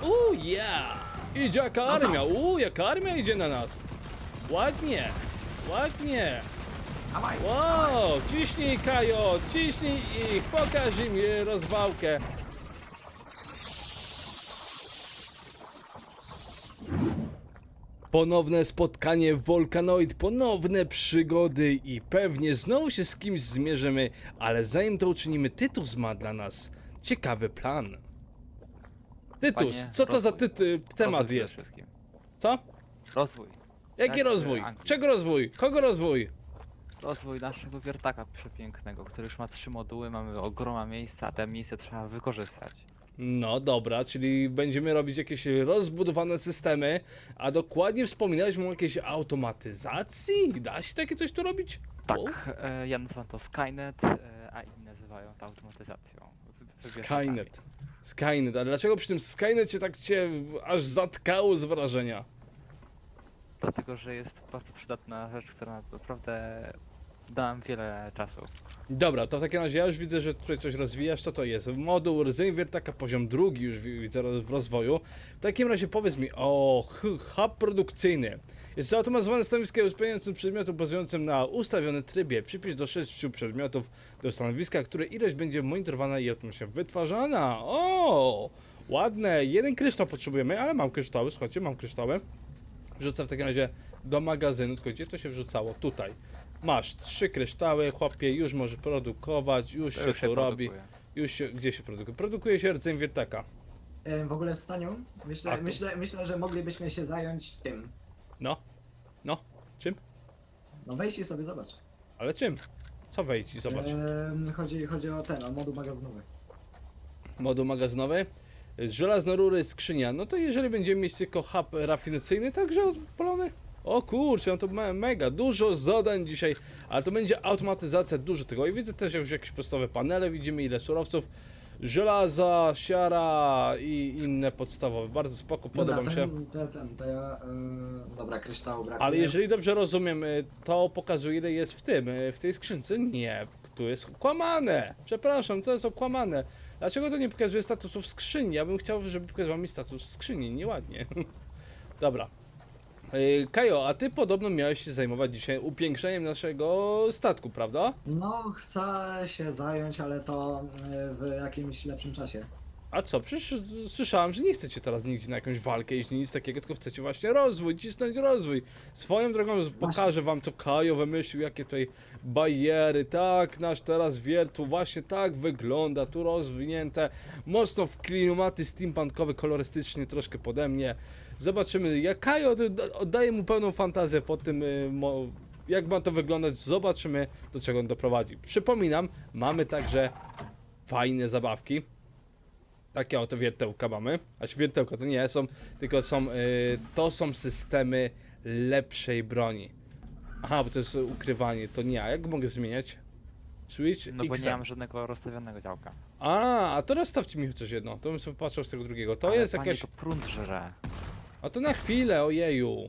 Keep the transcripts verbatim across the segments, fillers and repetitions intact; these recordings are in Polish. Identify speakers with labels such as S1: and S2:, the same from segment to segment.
S1: Uuu, yeah! Idzie jaka armia, uuu, jaka armia idzie na nas. Ładnie, ładnie.
S2: Dawaj,
S1: Wow, ciśnij Kajo, ciśnij ich, pokaż im e, rozwałkę. Ponowne spotkanie w Volcanoid, ponowne przygody i pewnie znowu się z kimś zmierzymy, ale zanim to uczynimy, Tytus ma dla nas ciekawy plan. Tytus,
S3: Panie,
S1: co to za
S3: rozwój.
S1: ty, temat
S3: Rozwój
S1: jest?
S3: przede wszystkim.
S1: Co?
S3: Rozwój.
S1: Jaki
S3: Jak w
S1: rozwój?
S3: Anglii.
S1: Czego rozwój? Kogo rozwój?
S3: Rozwój naszego wiertaka przepięknego, który już ma trzy moduły, mamy ogromne miejsca, a te miejsce trzeba wykorzystać.
S1: No dobra, czyli będziemy robić jakieś rozbudowane systemy, a dokładnie wspominałeś mu o jakiejś automatyzacji? Da się takie coś tu robić?
S3: Tak,
S1: O,
S3: e, ja nazywam to Skynet, e, a inni nazywają to automatyzacją. Wy- wy- wiertakami.
S1: Skynet. Skynet, a dlaczego przy tym Skynecie tak cię aż zatkało z wrażenia?
S3: Dlatego, że jest bardzo przydatna rzecz, która naprawdę da nam wiele czasu.
S1: Dobra, to w takim razie ja już widzę, że tutaj coś rozwijasz. Co to jest? Moduł rdzeń wiertaka poziom drugi już wi- widzę ro- w rozwoju. W takim razie powiedz mi, o hu- hub produkcyjny. Jest zautomatyzowane stanowisko uzupełniającym przedmiotu bazującym na ustawionym trybie. Przypisz do sześciu przedmiotów do stanowiska, które ilość będzie monitorowana i automatycznie wytwarzana. O, ładne. Jeden kryształ potrzebujemy, ale mam kryształy, słuchajcie, mam kryształy. Wrzucę w takim razie do magazynu, tylko gdzie to się wrzucało? Tutaj. Masz trzy kryształy, chłopie, już możesz produkować, już
S3: To
S1: się
S3: już się
S1: to robi.
S3: produkuje.
S1: Już się, gdzie się produkuje? Produkuje się rdzeń wiertaka.
S2: E, w ogóle z Stanią,
S1: A
S2: myślę,
S1: tu-
S2: myślę, myślę, że moglibyśmy się zająć tym.
S1: No, no, czym?
S2: No wejdź i sobie zobacz.
S1: Ale czym? Co wejdź i zobacz.
S2: E, chodzi, chodzi o ten, o moduł magazynowy.
S1: Moduł magazynowy. Żelazne rury, skrzynia. No to jeżeli będziemy mieć tylko hub rafinacyjny, także odpalony. O kurczę, no to me mega, dużo zadań dzisiaj, ale to będzie automatyzacja, dużo tego. I widzę też już jakieś podstawowe panele, widzimy ile surowców, żelaza, siara i inne podstawowe. Bardzo spoko, podoba mi się.
S2: Ten, ten, ten, to ja, e, dobra, kryształu brakuje.
S1: Ale jeżeli dobrze rozumiem, y, to pokazuje ile jest w tym, y, w tej skrzynce. Nie, tu jest okłamane. Przepraszam, to jest okłamane. Dlaczego to nie pokazuje statusu w skrzyni? Ja bym chciał, żeby pokazywał mi status w skrzyni, nieładnie. Dobra. Y, Kajo, a ty podobno miałeś się zajmować dzisiaj upiększeniem naszego statku, prawda?
S2: No, chcę się zająć, ale to e, w jakimś lepszym czasie.
S1: A co, przecież słyszałem, że nie chcecie teraz nigdzie na jakąś walkę iść, nic takiego, tylko chcecie właśnie rozwój, cisnąć rozwój. Swoją drogą pokażę wam, co Kajo wymyślił, jakie tutaj bariery, tak, nasz teraz wier tu właśnie tak wygląda, tu rozwinięte, mocno w klimaty steampunkowe, kolorystycznie troszkę pode mnie. Zobaczymy, jak Kajo oddaje mu pełną fantazję po tym, y, mo, jak ma to wyglądać, zobaczymy, do czego on doprowadzi. Przypominam, mamy także fajne zabawki. Takie oto wiertełka mamy. A wiertełka to nie są, tylko są, y, to są systemy lepszej broni. Aha, bo to jest ukrywanie, to nie. A jak mogę zmieniać? Switch
S3: No bo
S1: X.
S3: nie mam żadnego rozstawionego działka.
S1: A, a to rozstawcie mi chociaż jedno, to bym sobie patrzył z tego drugiego. To
S3: Ale
S1: jest
S3: panie,
S1: jakaś...
S3: to prąd żre.
S1: A to na chwilę, ojeju.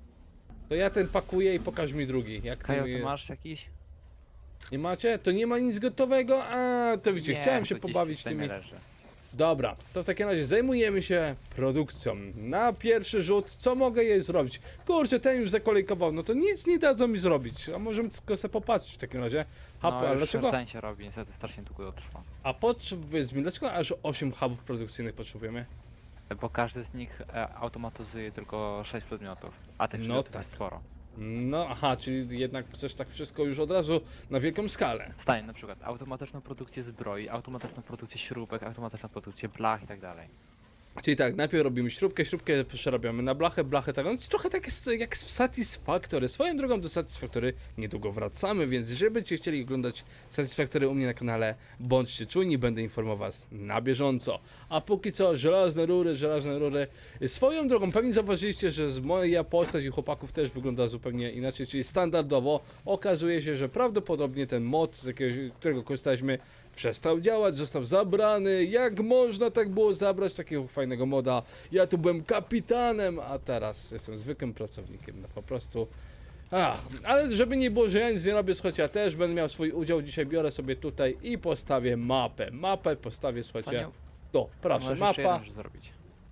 S1: To ja ten pakuję i pokaż mi drugi. Jak
S3: Kajo,
S1: ten-
S3: ty masz jakiś?
S1: Nie macie? To nie ma nic gotowego? A, to widzicie,
S3: Nie,
S1: chciałem
S3: to
S1: się
S3: gdzieś w
S1: pobawić
S3: systemie
S1: tymi...
S3: leży.
S1: Dobra, to w takim razie zajmujemy się produkcją. Na pierwszy rzut, co mogę jej zrobić? Kurczę, ten już zakolejkował, no to nic nie dadzą mi zrobić. A możemy tylko sobie popatrzeć w takim razie. Hub,
S3: No
S1: ale
S3: już
S1: dlaczego?
S3: rdzeń się robi, niestety strasznie długo to trwa.
S1: A powiedz mi, dlaczego aż osiem hubów produkcyjnych potrzebujemy?
S3: Bo każdy z nich e, automatyzuje tylko sześć przedmiotów, a tych
S1: No
S3: przedmiotów
S1: tak.
S3: jest sporo.
S1: No aha, czyli jednak chcesz tak wszystko już od razu na wielką skalę.
S3: Stanie na przykład automatyczną produkcję zbroi, automatyczną produkcję śrubek, automatyczną produkcję blach i tak dalej.
S1: Czyli tak, najpierw robimy śrubkę, śrubkę przerabiamy na blachę, blachę tak, no trochę tak jest jak w Satisfactory. Swoją drogą do Satisfactory niedługo wracamy, więc jeżeli będziecie chcieli oglądać Satisfactory u mnie na kanale, bądźcie czujni, będę informował was na bieżąco. A póki co, żelazne rury, żelazne rury. Swoją drogą, pewnie zauważyliście, że z moja postać i chłopaków też wygląda zupełnie inaczej, czyli standardowo. Okazuje się, że prawdopodobnie ten mod, z jakiegoś, którego korzystaliśmy, przestał działać, został zabrany. Jak można tak było zabrać takiego fajnego moda? Ja tu byłem kapitanem, a teraz jestem zwykłym pracownikiem. No po prostu. Ach, ale żeby nie było, że ja nic nie robię, słuchajcie, ja też będę miał swój udział. Dzisiaj biorę sobie tutaj i postawię mapę. Mapę postawię, słuchajcie.
S3: Panie,
S1: To, proszę,
S3: możesz jeszcze
S1: mapa.
S3: jedną rzecz zrobić.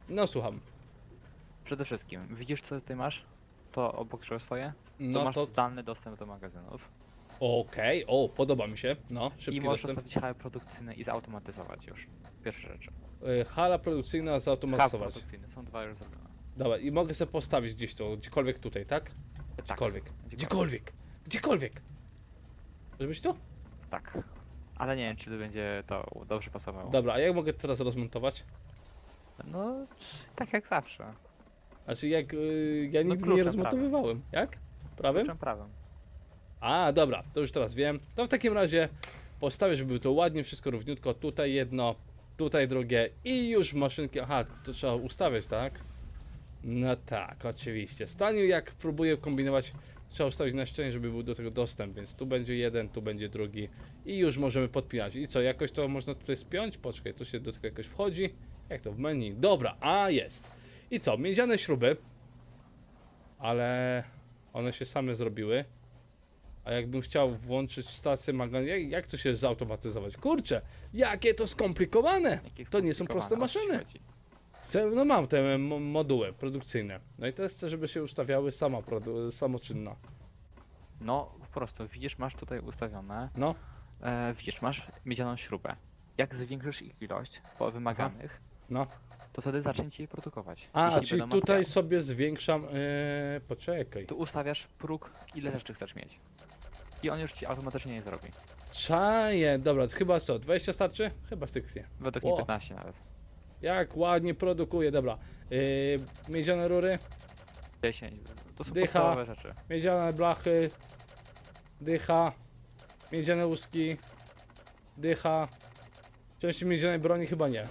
S1: No słucham.
S3: Przede wszystkim, widzisz co ty masz? To obok czego swoje? To
S1: No
S3: masz
S1: to
S3: zdalny dostęp do magazynów.
S1: okej, o, podoba mi się. No,
S3: I
S1: szybki
S3: możesz
S1: dostęp.
S3: ustawić hale produkcyjne i zautomatyzować już. Pierwsze rzeczy.
S1: Y, Hala produkcyjna
S3: Hub
S1: zautomatyzować.
S3: produkcyjny, są dwa już zrobione.
S1: Dobra, i mogę sobie postawić gdzieś to, gdziekolwiek tutaj, tak?
S3: Tak,
S1: Gdziekolwiek.
S3: gdziekolwiek.
S1: Gdziekolwiek. Gdziekolwiek. Może być tu?
S3: Tak. Ale nie wiem, czy to będzie to dobrze pasowało.
S1: Dobra, a jak mogę teraz rozmontować?
S3: No, tak jak zawsze.
S1: Znaczy jak, y, ja
S3: No
S1: nigdy nie
S3: kluczem
S1: rozmontowywałem. Jak? Prawym?
S3: Kluczem prawym.
S1: A, dobra, to już teraz wiem. To w takim razie postawię, żeby było to ładnie, wszystko równiutko. Tutaj jedno, tutaj drugie i już maszynki. Aha, to trzeba ustawiać, tak? No tak, oczywiście. Staniu, jak próbuję kombinować, trzeba ustawić na ścianie, żeby był do tego dostęp, więc tu będzie jeden, tu będzie drugi i już możemy podpinać. I co, jakoś to można tutaj spiąć? Poczekaj, tu się do tego jakoś wchodzi. Jak to w menu? Dobra, a jest. I co, miedziane śruby, ale one się same zrobiły. A jakbym chciał włączyć stację magazynu, jak, jak to się zautomatyzować? Kurczę, jakie to skomplikowane!
S3: Jakie
S1: To nie są proste
S3: skomplikowane, o co ci
S1: maszyny.
S3: chodzi?
S1: Chcę, no mam te mo- moduły produkcyjne. No i teraz chcę, żeby się ustawiały sama, produ- samoczynna.
S3: No, po prostu, widzisz, masz tutaj ustawione,
S1: No,
S3: e, widzisz, masz miedzianą śrubę. Jak zwiększysz ich ilość po wymaganych,
S1: no.
S3: to wtedy zacznie ci je produkować.
S1: A,
S3: Jeśli
S1: czyli
S3: będą
S1: tutaj
S3: materiały.
S1: sobie zwiększam, yy, poczekaj.
S3: Tu ustawiasz próg, ile rzeczy chcesz mieć. I on już ci automatycznie nie zrobi.
S1: Czaję, dobra, to chyba co, dwadzieścia starczy? Chyba styknie.
S3: Według
S1: O.
S3: mnie piętnaście nawet.
S1: Jak ładnie produkuje, dobra. Yy, miedziane rury,
S3: dziesięć. To są
S1: Dycha.
S3: podstawowe rzeczy.
S1: miedziane blachy, dycha, miedziane łuski, dycha. Części miedzianej broni chyba nie.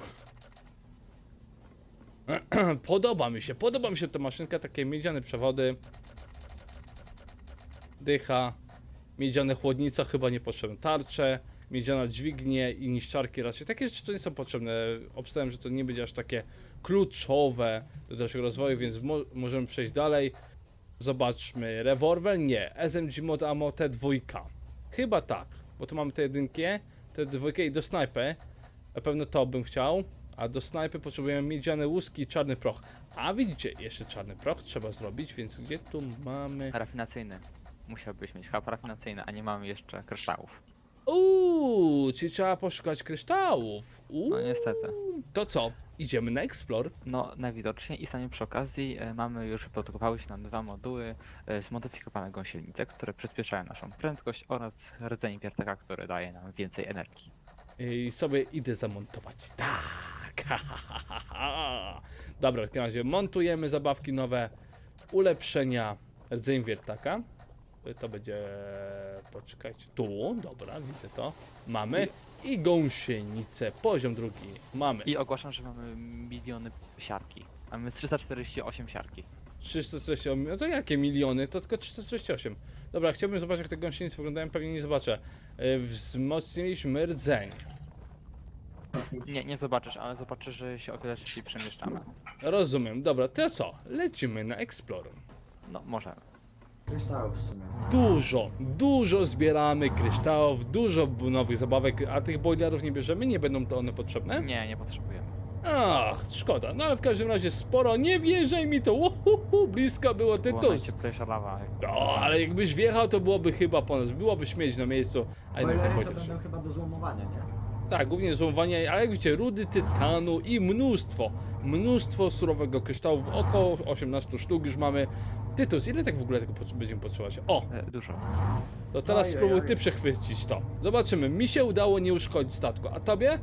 S1: Podoba mi się, podoba mi się ta maszynka, takie miedziane przewody. Dycha, miedziane chłodnica chyba niepotrzebne, tarcze, miedziana dźwignie i niszczarki raczej. Takie rzeczy to nie są potrzebne. Obstawiam, że to nie będzie aż takie kluczowe do naszego rozwoju, więc mo możemy przejść dalej. Zobaczmy, rewolwer? Nie. S M G mod ammo T dwa. Chyba tak, bo tu mamy te jedynki, te dwójkę i do snajpy. Na pewno to bym chciał. A do snajpy potrzebujemy miedziane łuski i czarny proch. A widzicie, jeszcze czarny proch trzeba zrobić, więc gdzie tu mamy...
S3: Rafinacyjny. Musiałbyś mieć hub rafinacyjny, a nie mamy jeszcze kryształów.
S1: Uuu, czyli trzeba poszukać kryształów. Uuu,
S3: No niestety.
S1: to co? Idziemy na Explore.
S3: No najwidoczniej i stanie przy okazji e, mamy już wyprodukowały się nam dwa moduły e, zmodyfikowane gąsienice, które przyspieszają naszą prędkość oraz rdzeń wiertaka, który daje nam więcej energii.
S1: I sobie idę zamontować. Tak. ha, ha, ha, ha. Dobra, w takim razie montujemy zabawki nowe, ulepszenia, rdzeń wiertaka. To będzie, poczekajcie, tu, dobra, widzę to. Mamy i gąsienicę, poziom drugi, mamy.
S3: I ogłaszam, że mamy miliony siarki. Mamy trzysta czterdzieści osiem siarki.
S1: trzysta czterdzieści osiem, no to jakie miliony? To tylko trzysta czterdzieści osiem. Dobra, chciałbym zobaczyć, jak te gąsienice wyglądają, pewnie nie zobaczę. Yy, Wzmocniliśmy rdzeń.
S3: Nie, nie zobaczysz, ale zobaczysz, że się o wiele szybciej przemieszczamy.
S1: Rozumiem, dobra, to co? Lecimy na Explorer.
S3: No, możemy.
S2: Kryształów w sumie.
S1: Dużo, dużo zbieramy kryształów, dużo b- nowych zabawek, a tych boilerów nie bierzemy, nie będą to one potrzebne?
S3: Nie, nie potrzebujemy.
S1: Ach, szkoda, no ale w każdym razie sporo, nie wierzaj mi to, uhuhu, blisko było
S3: Była
S1: Tytus.
S3: najcieplejsza lawa. jak
S1: No,
S3: można
S1: ale
S3: znaleźć.
S1: jakbyś wjechał, to byłoby chyba po nas, byłoby śmieć na miejscu, a jednak ten
S2: Boilery to
S1: boiler.
S2: będą chyba do złomowania, nie?
S1: Tak, głównie złomowanie, ale jak widzicie, rudy tytanu i mnóstwo, mnóstwo surowego kryształu, około osiemnaście sztuk już mamy. Tytus, ile tak w ogóle tego potrze- będziemy potrzebować? O,
S3: E, Dużo.
S1: to teraz
S2: Ojej,
S1: spróbuj
S2: ojej.
S1: ty przechwycić to. Zobaczymy, mi się udało nie uszkodzić statku, a tobie?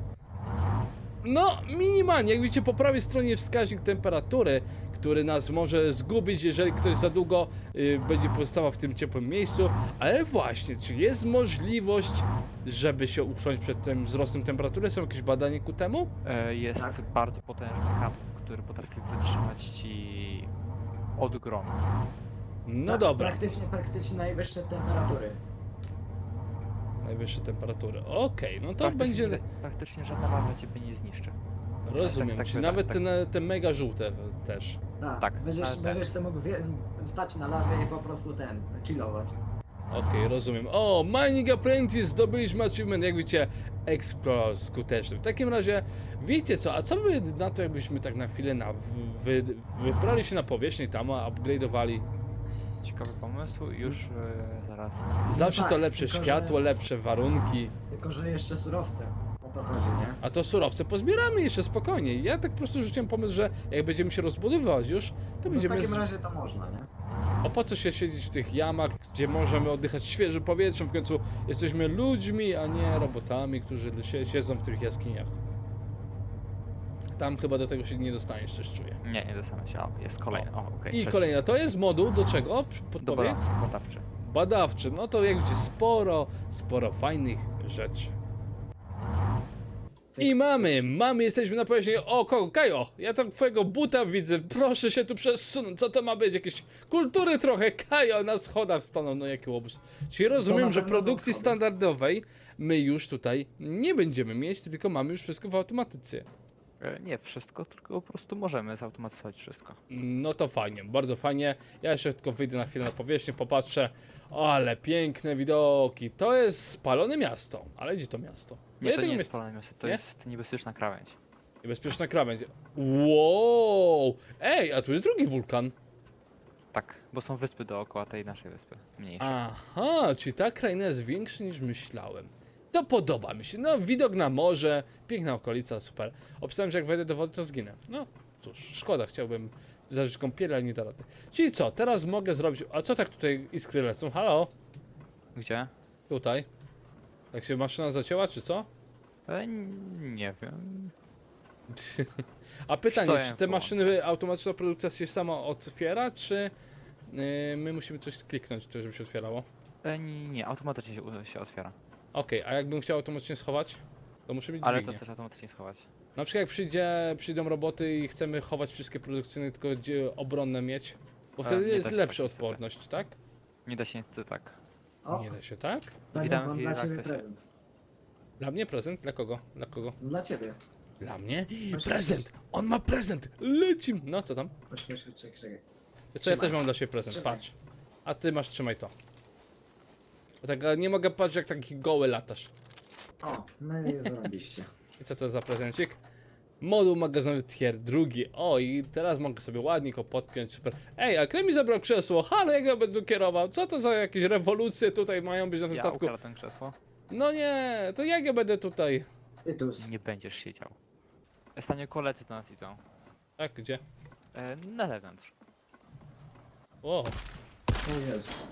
S1: No, minimalnie, jak widzicie po prawej stronie wskaźnik temperatury, który nas może zgubić, jeżeli ktoś za długo y, będzie pozostawał w tym ciepłym miejscu. Ale właśnie, czy jest możliwość, żeby się uchronić przed tym wzrostem temperatury? Są jakieś badania ku temu?
S3: E, Jest
S2: Tak.
S3: bardzo potężny hub, który potrafi wytrzymać ci od gromu.
S1: No
S2: Tak,
S1: dobra,
S2: Praktycznie, praktycznie najwyższe temperatury.
S1: najwyższe temperatury. Okej, no to
S3: Praktycznie-
S1: będzie...
S3: Praktycznie żadna lawa ciebie nie zniszczy.
S1: Rozumiem,
S3: tak, tak,
S1: czy
S3: tak,
S1: nawet
S3: tak.
S1: te, na- te mega żółte w- też.
S2: Tak,
S3: Tak,
S2: będziesz,
S3: ale tak.
S2: będziesz sobie mógł wie- stać na lawie i po prostu ten, chillować.
S1: Okej, rozumiem. O, Mining Apprentice, zdobyliśmy achievement, jak widzicie, Explore skuteczny. W takim razie, wiecie co, a co by na to, jakbyśmy tak na chwilę na, wy, wybrali się na powierzchnię tam, a upgrade'owali?
S3: Ciekawy pomysł, już e, zaraz.
S1: Zawsze
S2: tak,
S1: to lepsze
S2: tylko że-
S1: światło, lepsze warunki.
S2: Tylko, że jeszcze surowce. O to chodzi, nie?
S1: A to surowce pozbieramy jeszcze spokojnie. Ja tak po prostu rzuciłem pomysł, że jak będziemy się rozbudowywać już, to
S2: No w
S1: będziemy...
S2: takim
S1: z-
S2: razie to można, nie?
S1: A po co się siedzieć w tych jamach, gdzie możemy oddychać świeżym powietrzem? W końcu jesteśmy ludźmi, a nie robotami, którzy sie- siedzą w tych jaskiniach. Tam chyba do tego się nie dostaniesz, coś czuję.
S3: Nie, nie dostanę się. O, jest kolejny. O, okej.
S1: I
S3: trzeci.
S1: kolejna, to jest moduł do czego?
S3: Do
S1: Podpowiedz?
S3: badawczy. badawczy.
S1: Badawczy. No to jak widzicie, sporo, sporo fajnych rzeczy.
S2: Cyk,
S1: I mamy, mamy, jesteśmy na powierzchni. O, kogo? Kajo, ja tam twojego buta widzę, proszę się tu przesunąć, co to ma być? Jakieś kultury trochę, Kajo, na schodach staną, no jaki łobuz. Czyli rozumiem,
S2: na
S1: że
S2: pewno są
S1: produkcji
S2: schody.
S1: standardowej my już tutaj nie będziemy mieć, tylko mamy już wszystko w automatyce.
S3: E, Nie wszystko, tylko po prostu możemy zautomatyzować wszystko.
S1: No to fajnie, bardzo fajnie. Ja jeszcze tylko wyjdę na chwilę na powierzchnię, popatrzę. Ale piękne widoki. To jest spalone miasto. Ale gdzie to miasto?
S3: Nie,
S1: Ja
S3: to
S1: tego
S3: nie
S1: miasta-
S3: jest spalone miasto, to
S1: Nie?
S3: jest niebezpieczna krawędź.
S1: Niebezpieczna krawędź. Wow! Ej, a tu jest drugi wulkan.
S3: Tak, bo są wyspy dookoła tej naszej wyspy, mniejsze.
S1: Aha, czyli ta kraina jest większa niż myślałem. To podoba mi się. No, widok na morze, piękna okolica, super. Obstałem, że jak wejdę do wody, to zginę. No, cóż, szkoda, chciałbym zażyć kąpiel, ale nie da rady. Czyli co, teraz mogę zrobić... A co tak tutaj iskry lecą? Halo?
S3: Gdzie?
S1: Tutaj. Tak się maszyna zacięła, czy co?
S3: E, n- nie wiem.
S1: A pytanie,
S3: Stoję
S1: czy te
S3: w
S1: maszyny, automatyczna produkcja się sama otwiera, czy yy, my musimy coś kliknąć, żeby się otwierało?
S3: E, nie, nie, automatycznie się, u- się otwiera.
S1: Okej, a jakbym chciał automatycznie schować, to muszę mieć
S3: Ale
S1: dźwignię.
S3: to chcesz automatycznie schować.
S1: Na przykład jak przyjdzie, przyjdą roboty i chcemy chować wszystkie produkcyjne, tylko gdzie obronne mieć, bo
S3: A,
S1: wtedy
S3: nie
S1: jest
S3: da się
S1: lepsza
S3: tak niestety.
S1: odporność, tak?
S3: Nie da się niestety tak.
S2: O,
S1: Nie da się, tak?
S2: Daniel,
S3: Witam
S2: mam
S3: w
S2: dla ciebie
S3: Irakcie.
S2: prezent.
S1: Dla mnie prezent? Dla kogo? Dla kogo?
S2: Dla ciebie.
S1: Dla mnie?
S2: Proszę.
S1: Prezent! On ma prezent! Lecim! No co tam?
S2: Chodź, chodź, chodź, czekaj, czekaj.
S1: Co ja
S2: Trzymaj.
S1: też mam dla siebie prezent,
S2: Trzymaj.
S1: patrz. A ty masz, trzymaj to. Bo tak, a nie mogę patrzeć jak taki goły latasz.
S2: O, no i zarobiście.
S1: I co to za prezencik? Moduł magazynowy tier drugi. O, i teraz mogę sobie ładnie go podpiąć, super. Ej, a kto mi zabrał krzesło? Halo, jak ja będę kierował? Co to za jakieś rewolucje tutaj mają być na tym
S3: Ja
S1: statku?
S3: ukradłem krzesło.
S1: No nie, to jak ja będę tutaj?
S2: Tytus.
S3: Nie będziesz siedział. Stanie koledzy do nas idą.
S1: Tak, gdzie?
S3: E, na zewnątrz.
S1: O,
S2: O Jezus.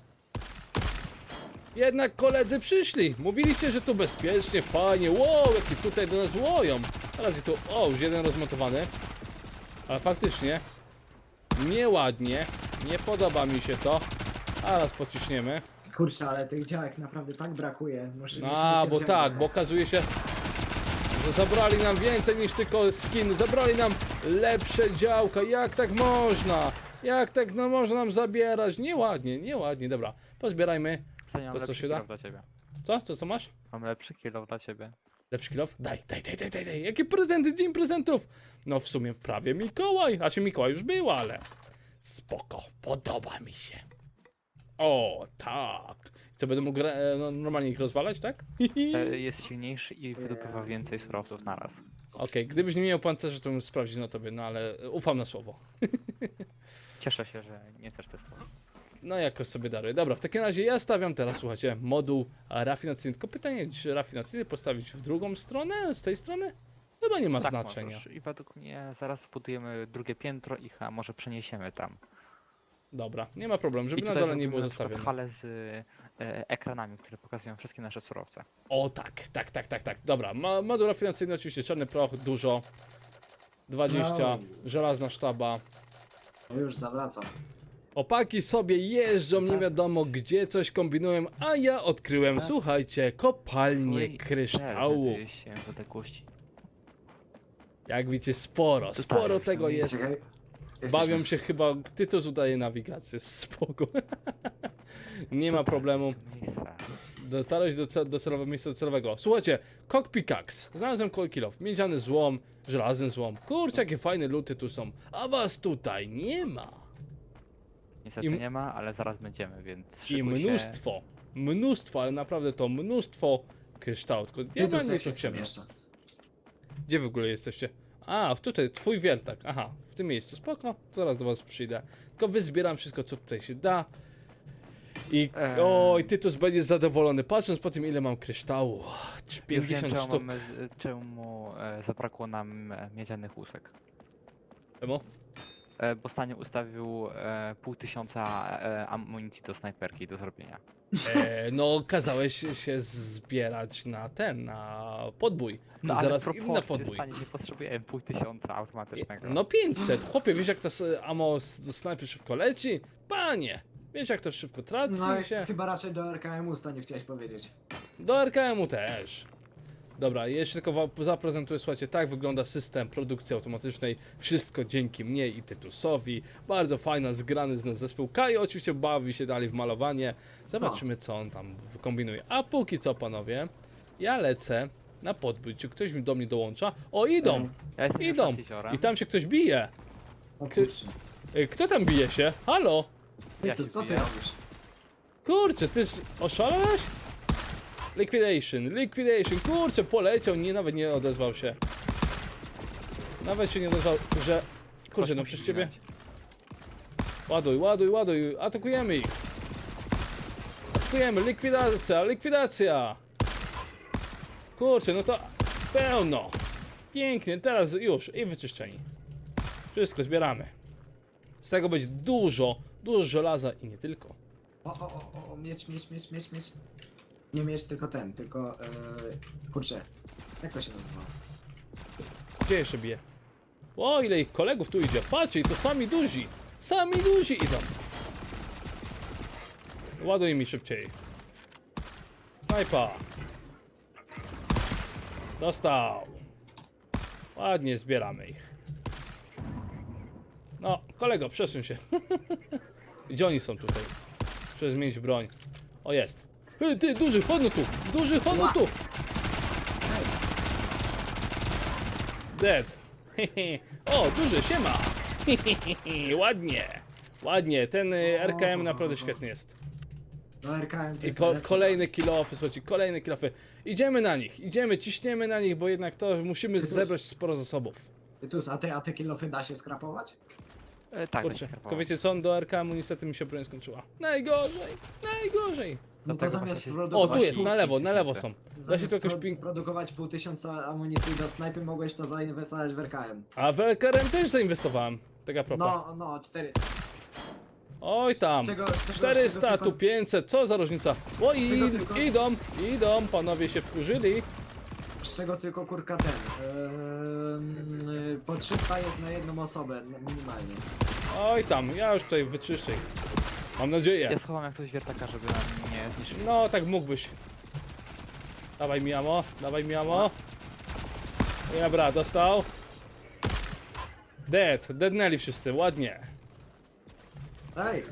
S1: jednak koledzy przyszli. Mówiliście, że tu bezpiecznie, fajnie. Wow, jaki tutaj do nas łoją. Teraz i tu, o, już jeden rozmontowany. Ale faktycznie, nieładnie. Nie podoba mi się to. A raz pociśniemy.
S2: Kurczę, ale tych działek naprawdę tak brakuje. Muszę, musimy
S1: A,
S2: się
S1: bo
S2: wziąć
S1: tak,
S2: za
S1: bo
S2: to.
S1: okazuje się, że zabrali nam więcej niż tylko skin. Zabrali nam lepsze działka. Jak tak można? Jak tak no można nam zabierać? Nieładnie, nieładnie. Dobra, pozbierajmy.
S3: Stanie, mam
S1: To co
S3: lepszy
S1: się da?
S3: kill dla ciebie.
S1: Co? Co, co masz?
S3: Mam lepszy kill dla ciebie.
S1: Lepszy kilof? Daj, daj, daj, daj, daj, daj. Jakie prezenty? Dzień prezentów! No w sumie prawie Mikołaj. Znaczy Mikołaj już był, ale spoko. Podoba mi się. O, tak. Co, będę mógł e, no, normalnie ich rozwalać, tak?
S3: E, jest silniejszy i wydobywa więcej surowców naraz.
S1: Okej, gdybyś nie miał pancerzy, to bym sprawdził na tobie, no ale ufam na słowo.
S3: Cieszę się, że nie chcesz testować.
S1: No jakoś sobie daruję. Dobra, w takim razie ja stawiam teraz, słuchajcie, moduł rafinacyjny. Tylko pytanie, czy rafinacyjny postawić w drugą stronę, z tej strony? Chyba nie ma
S3: Tak,
S1: znaczenia.
S3: możesz. I według mnie zaraz zbudujemy drugie piętro i a może przeniesiemy tam.
S1: Dobra, nie ma problemu, żeby
S3: I
S1: na
S3: tutaj
S1: dole nie
S3: zrobimy
S1: było
S3: na przykład
S1: zostawione.
S3: halę z e, ekranami, które pokazują wszystkie nasze surowce.
S1: O tak, tak, tak, tak, tak. Dobra, ma, moduł rafinacyjny oczywiście, czarny proch, dużo. dwadzieścia,
S2: No.
S1: żelazna sztaba.
S2: O, już zawracam.
S1: Opaki sobie jeżdżą, nie
S3: Za-
S1: wiadomo gdzie, coś kombinują, a ja odkryłem,
S3: Za-
S1: słuchajcie, kopalnię
S3: Twój
S1: kryształów.
S3: znajduje się w odległości.
S1: Jak widzicie, sporo, sporo
S3: Tutaj.
S1: tego jest.
S2: Czekaj.
S1: Bawią
S2: Jesteśmy.
S1: się chyba, Tytus udaje nawigację, spoko. Nie ma problemu.
S3: Miejsca.
S1: Dotarłeś do, ce- do celowego miejsca docelowego. Słuchajcie, Cock Pickaxe. Znalazłem kilof, miedziany złom, żelazny złom. Kurczę, jakie fajne luty tu są. A was tutaj nie ma.
S3: Niestety
S1: I-
S3: nie ma, ale zaraz będziemy, więc
S1: I
S3: szykuj się.
S1: mnóstwo, mnóstwo, ale naprawdę to mnóstwo kryształów. Tylko ja
S2: Tytus,
S1: mam nie
S2: jak się
S1: ciemno.
S2: przemieszcza.
S1: Gdzie w ogóle jesteście? A, w tutaj, twój wiertak. Aha, w tym miejscu. Spoko, zaraz do was przyjdę. Tylko wyzbieram wszystko, co tutaj się da. I
S3: Em.
S1: oj, Tytus będzie zadowolony, patrząc po tym, ile mam kryształu.
S3: Już wiem,
S1: pięćdziesiąt
S3: czemu,
S1: sztuk.
S3: mamy, czemu e, zabrakło nam e, miedzianych łusek.
S1: Czemu?
S3: E, bo Stanie ustawił e, pół tysiąca e, amunicji do snajperki do zrobienia.
S1: E, no, kazałeś się zbierać na ten, na podbój.
S3: No
S1: I
S3: ale
S1: zaraz inny
S3: proporcje,
S1: podbój.
S3: Stanie, nie potrzebujemy pół tysiąca automatycznego.
S1: No pięćset, chłopie, wiesz jak to s- ammo z- do snajpy szybko leci? Panie, wiesz jak to szybko traci
S2: No i
S1: się?
S2: chyba raczej do R K M-u stanie chciałeś powiedzieć.
S1: Do R K M-u też. Dobra, jeszcze tylko wam zaprezentuję, słuchajcie, tak wygląda system produkcji automatycznej. Wszystko dzięki mnie i Tytusowi. Bardzo fajna, zgrany z nas zespół. Kajo oczywiście bawi się dalej w malowanie. Zobaczymy, co on tam wykombinuje. A póki co, panowie, ja lecę na podbój. Czy ktoś mi do mnie dołącza? O, idą!
S3: Ja jestem już
S1: Idą!
S3: nad jeziorem.
S1: I tam się ktoś bije.
S2: O kurczę.
S1: Ej, kto tam bije się? Halo?
S3: Ja
S2: Tytus,
S3: się
S2: co ty
S3: zbijam.
S2: robisz?
S1: Kurczę, ty sz- oszalałeś? Liquidation, liquidation, kurczę, poleciał, nie, nawet nie odezwał się. Nawet się nie odezwał, że... Kurczę,
S3: Ktoś
S1: no
S3: musi
S1: przez ciebie...
S3: zginąć.
S1: Ładuj, ładuj, ładuj, atakujemy ich. Atakujemy, likwidacja, likwidacja. Kurczę, no to pełno. Pięknie, teraz już i wyczyszczeni. Wszystko zbieramy. Z tego będzie dużo, dużo żelaza i nie tylko.
S2: O, o, o, o, miecz, miecz, miecz, miecz, miecz. Nie miecz, tylko ten, tylko... Yy, kurczę. Jak to się nazywa?
S1: Gdzie jeszcze bije? O, ile ich kolegów tu idzie. Patrzcie, i to sami duzi. Sami duzi idą. Ładuj mi szybciej. Snajpa. Dostał. Ładnie zbieramy ich. No, kolego, przesuń się. Gdzie oni są tutaj? Muszę zmienić broń. O, jest. Ty, ty, duży, chodź no tu. Duży, chodź no tu. Dead. O, duży, siema. Ładnie. Ładnie, ten y, R K M naprawdę świetny jest.
S2: No R K M to
S1: I
S2: jest
S1: ko
S2: najlepszy.
S1: kolejne kilofy, słuchajcie, kolejne kilofy. Idziemy na nich, idziemy, ciśniemy na nich, bo jednak to musimy
S2: Tytus.
S1: zebrać sporo zasobów.
S2: Tytus, a ty, a ty kilofy da się skrapować?
S3: E, tak,
S1: Kurczę,
S3: będzie
S1: tylko wiecie co, do R K M-u niestety mi się broń skończyła. Najgorzej, najgorzej.
S2: No to
S3: Dlatego
S2: zamiast
S3: właśnie się-
S1: O,
S2: produkować...
S1: tu jest,
S3: Właśnie
S1: na lewo, na lewo
S3: tysiące.
S1: są. Da się
S2: Zamiast
S1: to jakoś
S2: pro
S1: ping...
S2: produkować pół tysiąca amunicji do snajpy, mogłeś to zainwestować w R K M.
S1: A w R K M też zainwestowałem. Tak a propos.
S2: No, no, czterysta.
S1: Oj tam.
S2: Z czego- z czego- z
S1: czterysta,
S2: czego
S1: tu
S2: tylko-
S1: pięćset, co za różnica. O, i,
S2: czego tylko-
S1: idą, idą, panowie się wkurzyli.
S2: Z czego tylko kurka ten. Yy, po trzysta jest na jedną osobę n- minimalnie.
S1: Oj tam, ja już tutaj wyczyszczę ich. Mam nadzieję.
S3: Ja schowam jak coś wiertaka, żeby nam nie zniszczyli.
S1: No, tak mógłbyś. Dawaj mi amo, dawaj mi amo. Dobra, dostał. Dead, deadnęli wszyscy, ładnie.
S2: Ej,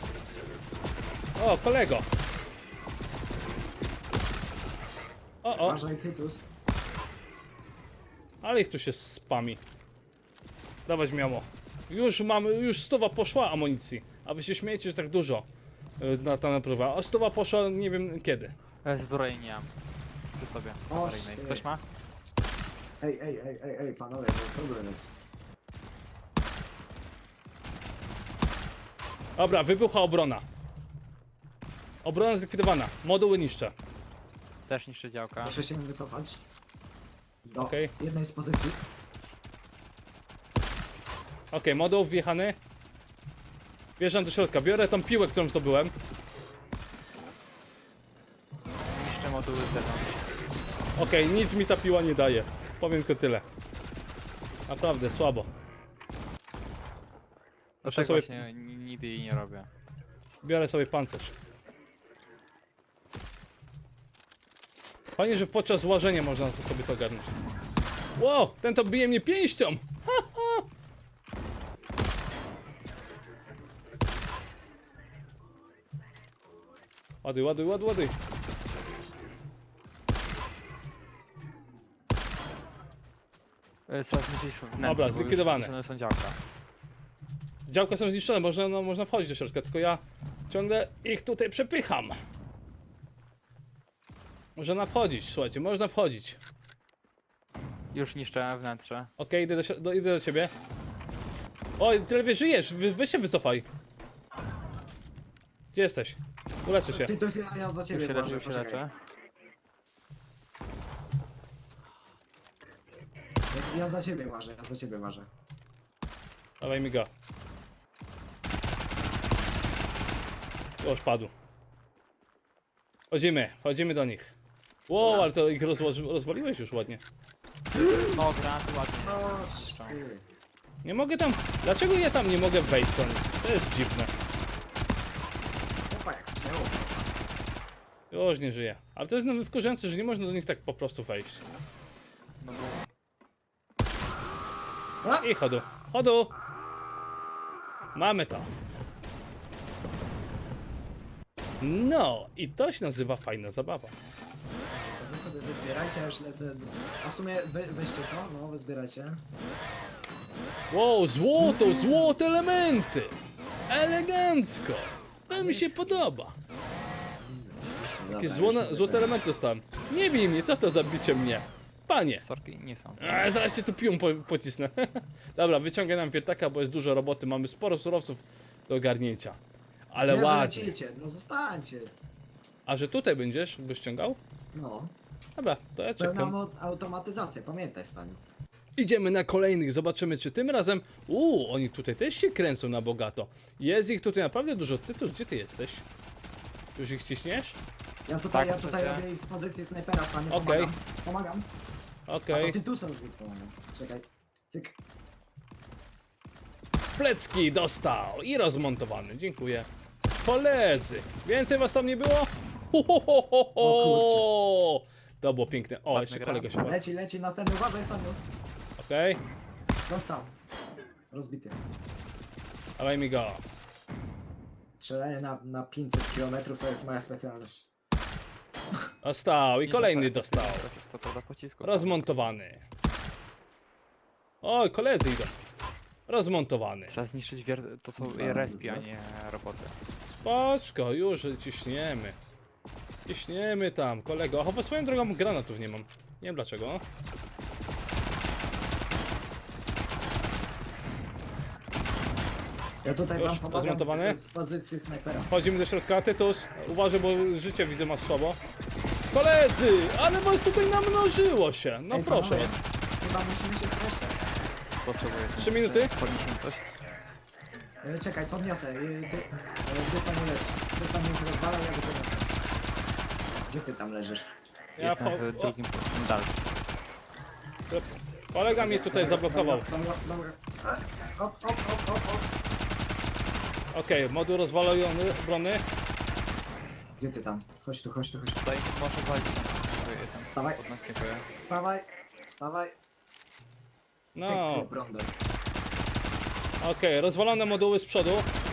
S1: O, kolego. O, o,
S2: uważaj Tytus.
S1: ale ich tu się spami. Dawać mi amo. Już mamy, już stuwa poszła amunicji. A wy się śmiejecie, że tak dużo y, na ta naprawa. A stuwa poszła nie wiem kiedy.
S3: E, zbroi nie mam. Przy sobie.
S2: O,
S3: awaryjnej.
S2: shit.
S3: Ktoś ma?
S2: Ej, ej, ej, ej, ej, panowie, to problem jest.
S1: Dobra, wybucha obrona. Obrona zlikwidowana. Moduły niszczę.
S3: Też niszczy działka.
S2: Muszę się wycofać. Do
S1: Okej.
S2: jednej z pozycji.
S1: Okej, moduł wjechany. Wjeżdżam do środka, biorę tą piłę, którą zdobyłem.
S3: Niszczy moduły z zewnątrz.
S1: Okej, nic mi ta piła nie daje. Powiem tylko tyle. Naprawdę, słabo. Muszę
S3: Tak
S1: sobie,
S3: właśnie ni- nigdy jej nie robię.
S1: biorę sobie pancerz. Fajnie, że podczas łażenia można to sobie to ogarnąć. Wow, ten to bije mnie pięścią! Ha, ha. Ładuj, ładuj, ładuj, ładuj.
S3: E, Trzeba zniszczyć wnętrze,
S1: Dobra,
S3: bo już
S1: zlikwidowane.
S3: zniszczone są działka.
S1: Działka są zniszczone, można, no, można wchodzić do środka, tylko ja ciągle ich tutaj przepycham. Można wchodzić, słuchajcie, można wchodzić.
S3: Już niszczę wnętrze.
S1: Okej, idę, do, si- do, idę do ciebie. Oj, tyle wie, żyjesz, Wy, weź się wycofaj. Gdzie jesteś? Uleczę się.
S2: Ty to jest ja, ja za
S3: Już
S2: ciebie
S3: się leczę,
S2: Błażej,
S3: już się
S2: poczekaj.
S3: leczę.
S2: Ja, ja za ciebie ważę, ja za ciebie ważę.
S1: Dawaj mi go. Już padł. Wchodzimy, wchodzimy do nich. Wow, ale to ich rozłoży, rozwaliłeś już ładnie.
S3: No, granaty ładnie.
S2: No, ty.
S1: Nie mogę tam... Dlaczego ja tam nie mogę wejść do nich? To jest dziwne.
S2: Opa, jak chciało.
S1: Już nie żyję. Ale to jest nawet wkurzające, że nie można do nich tak po prostu wejść.
S3: No,
S2: A!
S1: I chodu. Chodu! Mamy to. No, i to się nazywa fajna zabawa.
S2: Wy sobie wyzbierajcie, ja już lecę. A w sumie wy, weźcie to, no wyzbierajcie.
S1: Wow, złoto, złote elementy! Elegancko! To mi się podoba.
S2: Dobra,
S1: Jakieś
S2: już
S1: złone,
S2: mówię,
S1: złote
S2: tak.
S1: elementy dostałem. Nie bij mnie, co to za bicie mnie? Panie!
S3: sorki nie są.
S1: A, zaraz cię tu piłą po, pocisnę. Dobra, wyciągaj nam wiertaka, bo jest dużo roboty. Mamy sporo surowców do ogarnięcia. Ale
S2: Gdzie wy
S1: ładnie.
S2: lecicie? No zostańcie.
S1: A że tutaj będziesz, byś ściągał?
S2: No.
S1: Dobra, to ja
S2: Pełna
S1: czekam.
S2: mo- automatyzacja, pamiętaj Staniu.
S1: Idziemy na kolejnych, zobaczymy czy tym razem... Uuu, oni tutaj też się kręcą na bogato. Jest ich tutaj naprawdę dużo. Ty tu, gdzie ty jesteś? Już ich ciśniesz?
S2: Ja tutaj,
S3: Tak,
S2: ja tutaj
S3: chcecie?
S2: robię ich z pozycji snajpera, Staniu,
S1: Okej.
S2: pomagam. Pomagam.
S1: Okej.
S2: A to ty tu sobie pomagam. Czekaj. Cyk.
S1: Plecki dostał i rozmontowany, dziękuję. Koledzy, więcej was tam nie było? Ho, ho, ho, ho, ho.
S2: O
S1: To było piękne. O,
S3: Ładny
S1: jeszcze
S3: gra.
S1: kolega się...
S2: Leci, leci, następny, uważaj Staniu.
S1: Okej,
S2: Dostał. Rozbity.
S1: dawaj mi go.
S2: Strzelanie na, na pięćset kilometrów to jest moja specjalność.
S1: Dostał i
S3: Nie
S1: kolejny
S3: dostałem.
S1: dostał.
S3: To, to, to do pocisku.
S1: Rozmontowany. O, koledzy idą. Rozmontowany.
S3: Trzeba zniszczyć wier... to są
S2: Dobra,
S3: respi, a
S2: dobra.
S3: nie roboty.
S1: Spoczko, już ciśniemy. Ciśniemy tam, kolego. Chowa swoją drogą granatów nie mam. Nie wiem dlaczego.
S2: Ja tutaj
S1: Już
S2: wam pomagam
S1: rozmontowany?
S2: z, z pozycji snajpera.
S1: Wchodzimy do środka. Tytus, uważaj, bo życie widzę masz słabo. Koledzy, ale was tutaj namnożyło się. No
S2: Ej,
S1: proszę.
S2: panowie, chyba musimy się streszczać.
S3: Potrzebuję.
S1: Trzy minuty?
S3: Podniesiemy coś.
S2: E, czekaj, podniosę. E, ty, e, gdzie tam leżysz? Ty tam mnie rozwalał, ja go podniosę. Gdzie ty tam leżysz?
S1: Ja
S3: Jestem
S1: wcho-
S3: w drugim dalszym.
S1: o, kolega mnie tutaj zablokował.
S2: Dobra, dobra, dobra. E, Hop, hop, hop, hop, hop.
S1: Okej, moduł rozwalony, brony.
S2: Gdzie ty tam? Chodź tu, chodź tu, chodź tu.
S3: Tutaj może walić. Tu jestem.
S2: Dawaj.
S3: Od nas dziękuję.
S2: Wstawaj, wstawaj.
S1: No,
S2: Ty, prądem.
S1: okej, rozwalone moduły z przodu.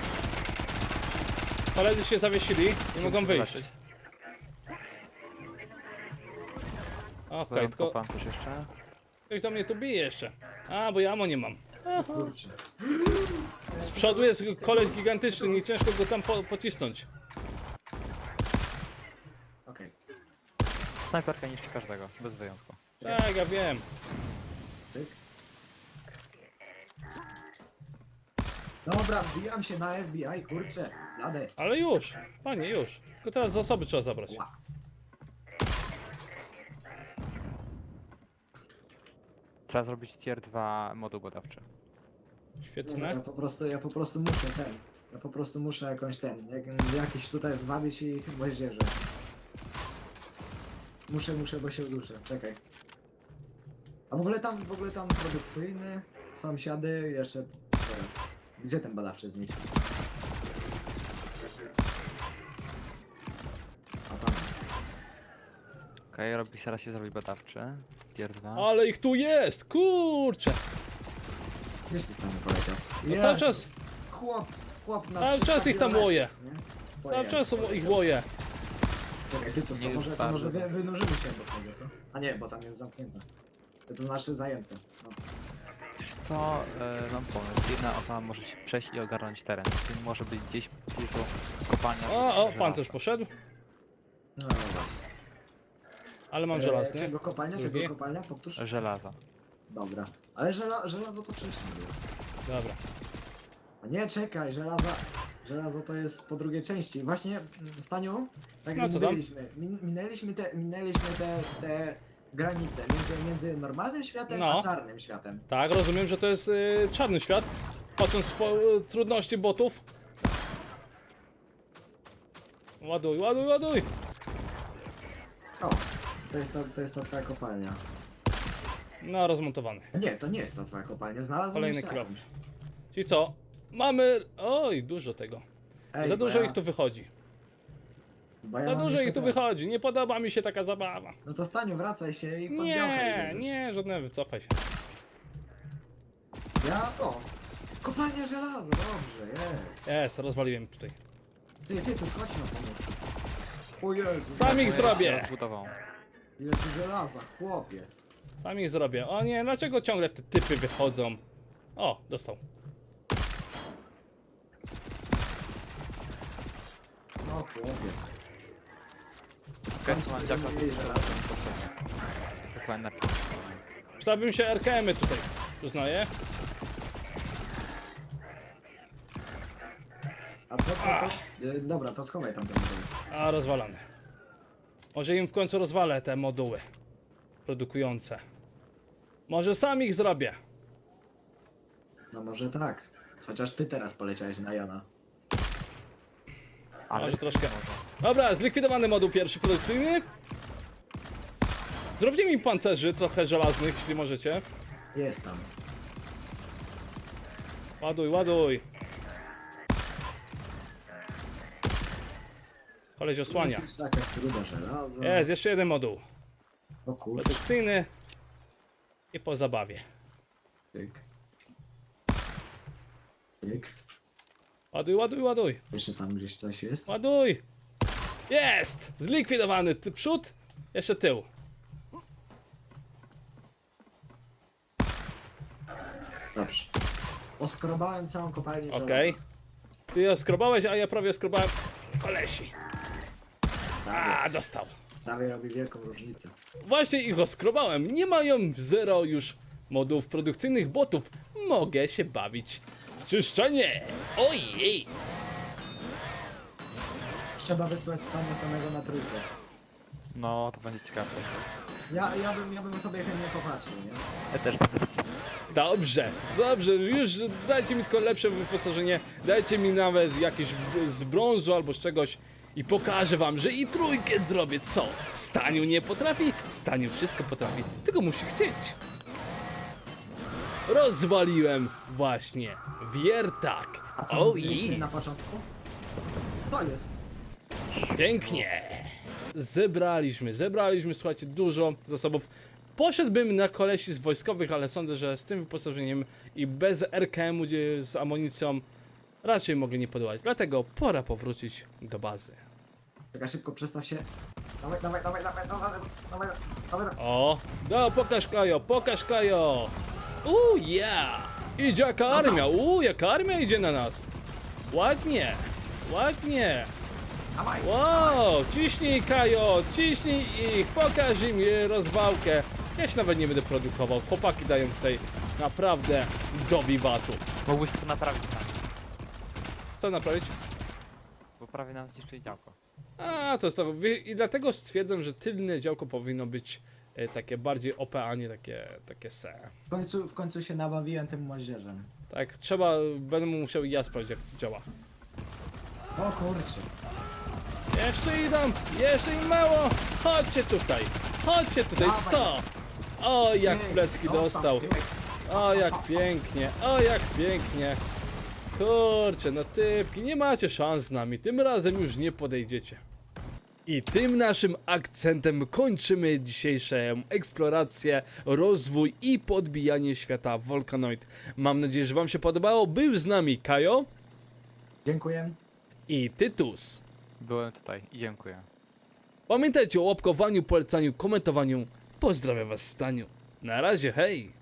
S1: Koledzy się zawiesili, nie mogą wyjść.
S3: Zobaczyć.
S1: Okej, tylko
S3: Kopam też jeszcze.
S1: ktoś do mnie tu bije jeszcze. A, bo ja amo nie mam. Aha.
S2: Kurczę.
S1: Z przodu jest koleś gigantyczny, nie ciężko go tam po pocisnąć.
S2: Okej.
S3: Snajperka niszczy każdego, bez wyjątku.
S1: Tak, ja wiem.
S2: Cyk. Dobra, wbijam się na F B I, kurczę. Jadę.
S1: Ale już, panie, już. Tylko teraz zasoby trzeba zabrać.
S2: Ła.
S3: Trzeba zrobić tier dwa moduł badawczy.
S1: Świetne.
S2: Ja po prostu, ja po prostu muszę ten. Ja po prostu muszę jakąś ten. Jak, jakiś tutaj zwabić i moździerze. Muszę, muszę, bo się uduszę. Czekaj. A w ogóle tam, w ogóle tam produkcyjny, sąsiady, jeszcze... Zaraz. Gdzie ten badawczy z nich? A tam.
S3: Okej, robi teraz się zrobi badawczy. Tier dwa.
S1: Ale ich tu jest, kurczę.
S2: Gdzieś ty tam poleciał?
S1: No cały czas,
S2: Chłop, chłop na
S1: cały
S2: trzysta
S1: czas ich tam
S2: kilometrów,
S1: łoje.
S2: nie?
S1: Cały
S2: Pojechał,
S1: czas ich
S2: poleciał.
S1: łoje.
S2: Czekaj, ty to,
S3: Nie
S2: to
S3: jest
S2: może, to
S3: bardzo,
S2: może wy,
S3: no.
S2: wynurzymy się do tego, co? A nie, bo tam jest zamknięte. To znaczy zajęte. No.
S3: co, e, mam pomysł. Jedna osoba może się przejść i ogarnąć teren. Czyli może być gdzieś dużo kopalnia.
S1: O, o,
S3: żelaza.
S1: pancerz poszedł,
S2: No właśnie.
S1: ale mam
S2: E,
S1: żelazny.
S2: Czego kopalnia?
S1: Drugi.
S2: Czego kopalnia? Powtórz.
S3: Żelaza.
S2: Dobra. Ale żela, żelazo to wcześniej było.
S1: Dobra.
S2: A nie, czekaj, żelaza. Żelazo to jest po drugiej części. Właśnie, mm, Staniu, tak
S1: No,
S2: jak
S1: co tam?
S2: mówiliśmy, min, minęliśmy te, minęliśmy te, te granice między, między normalnym światem
S1: No.
S2: a czarnym światem.
S1: Tak, rozumiem, że to jest y, czarny świat. Patrząc po y, trudności botów. Ładuj, ładuj, ładuj!
S2: O, to jest, to, to jest ta twoja kopalnia.
S1: No, rozmontowany.
S2: Nie, to nie jest ta twoja kopalnia, znalazłem
S1: Kolejny
S2: jeszcze
S1: kilof.
S2: jakąś.
S1: Czyli co? Mamy... Oj, dużo tego.
S2: Ej,
S1: Za
S2: bo
S1: dużo
S2: ja,
S1: ich tu wychodzi.
S2: bo ja
S1: Za
S2: mam
S1: dużo
S2: jeszcze
S1: ich tu
S2: te-
S1: wychodzi. Nie podoba mi się taka zabawa.
S2: No to Staniu, wracaj się i pod działkę
S1: Nie,
S2: jedziesz.
S1: nie, żadne, wycofaj się.
S2: Ja, o, kopalnia żelaza, dobrze, jest.
S1: Jest, rozwaliłem tutaj.
S2: Ty, ty, tu chodź na pomoc. O Jezu.
S1: Sam ich
S2: ile-
S1: zrobię.
S3: Rozbudował.
S2: Ile tu żelaza, chłopie.
S1: Sam ich zrobię. O nie, dlaczego ciągle te typy wychodzą? O, dostał.
S2: No chłopie.
S3: W końcu mam
S2: będziemy
S3: dziaka.
S2: mieli żelazo.
S3: Dokładnie.
S1: Przydałbym się R K M-y tutaj, przyznaję.
S2: A co, co, co? E, dobra, to schowaj tam ten moduł.
S1: A, rozwalamy. Może im w końcu rozwalę te moduły produkujące. Może sam ich zrobię.
S2: No może tak. Chociaż ty teraz poleciałeś na Jana.
S1: Może troszkę. Dobra, zlikwidowany moduł pierwszy produkcyjny. Zróbcie mi pancerzy trochę żelaznych, jeśli możecie.
S2: Jest tam.
S1: Ładuj, ładuj. Koleś osłania.
S2: Jest jakaś gruda żelaza.
S1: Jest, jeszcze jeden moduł.
S2: O kurczę.
S1: Produkcyjny. I po zabawie.
S2: Tyk. Tyk.
S1: Ładuj, ładuj, ładuj.
S2: Jeszcze tam gdzieś coś jest.
S1: Ładuj! Jest! Zlikwidowany ty przód, jeszcze tył.
S2: Dobrze. Oskrobałem całą kopalnię
S1: Okej. Ty ją skrobałeś, a ja prawie skrobałem kolesi.
S2: żelaza.
S1: A, dostał.
S2: Prawie robi wielką różnicę.
S1: Właśnie ich oskrobałem. Nie mają zero już modów produkcyjnych botów. Mogę się bawić w czyszczenie. Ojej!
S2: Trzeba wysłać Stania samego na trójkę.
S3: No, to będzie ciekawe.
S2: Ja, ja, bym, ja bym sobie chętnie popatrzył, nie?
S3: Ja też.
S1: Dobrze, dobrze, już dajcie mi tylko lepsze wyposażenie, dajcie mi nawet jakieś b- z brązu albo z czegoś i pokażę wam, że i trójkę zrobię, co? Staniu nie potrafi? Staniu wszystko potrafi, tylko musi chcieć. Rozwaliłem właśnie wiertak.
S2: A co
S1: Oh
S2: mówiliśmy na
S1: yes.
S2: początku? To jest.
S1: Pięknie. Zebraliśmy, zebraliśmy, słuchajcie, dużo zasobów. Poszedłbym na kolesi z wojskowych, ale sądzę, że z tym wyposażeniem i bez R K M-u gdzie z amunicją raczej mogę nie podołać. Dlatego pora powrócić do bazy.
S2: Czekaj, szybko przestaw się. Dawaj, dawaj, dawaj, dawaj, dawaj, dawaj, dawaj, dawaj.
S1: O, no pokaż Kajo, pokaż Kajo. Uuu, yeah. Idzie jaka armia, uuu, jaka armia idzie na nas. Ładnie, ładnie.
S2: Dawaj.
S1: Wow, ciśnij Kajo, ciśnij ich, pokaż im e, rozwałkę. Ja się nawet nie będę produkował, chłopaki dają tutaj naprawdę do wiwatu.
S3: Mógłbyś to naprawić tam,
S1: Co naprawić?
S3: bo prawie nam zniszczyli działko.
S1: A, to jest to, wie- i dlatego stwierdzam, że tylne działko powinno być e, takie bardziej O P, a nie takie, takie se.
S2: W końcu, w końcu się nabawiłem tym moździerzem.
S1: Tak, trzeba, będę musiał i ja sprawdzić jak to działa.
S2: O kurczę.
S1: Jeszcze idą, jeszcze im mało, chodźcie tutaj, chodźcie tutaj,
S2: Dawaj.
S1: co? O, jak
S2: Pięknie,
S1: plecki dostał.
S2: pięknie.
S1: O, jak pięknie, o, jak pięknie. Kurczę, no typki, nie macie szans z nami, tym razem już nie podejdziecie. I tym naszym akcentem kończymy dzisiejszą eksplorację, rozwój i podbijanie świata Volcanoid. Mam nadzieję, że wam się podobało. Był z nami Kajo
S2: Dziękuję.
S1: i Tytus.
S3: Byłem tutaj i dziękuję.
S1: Pamiętajcie o łapkowaniu, polecaniu, komentowaniu. Pozdrawiam was, Staniu. Na razie, hej!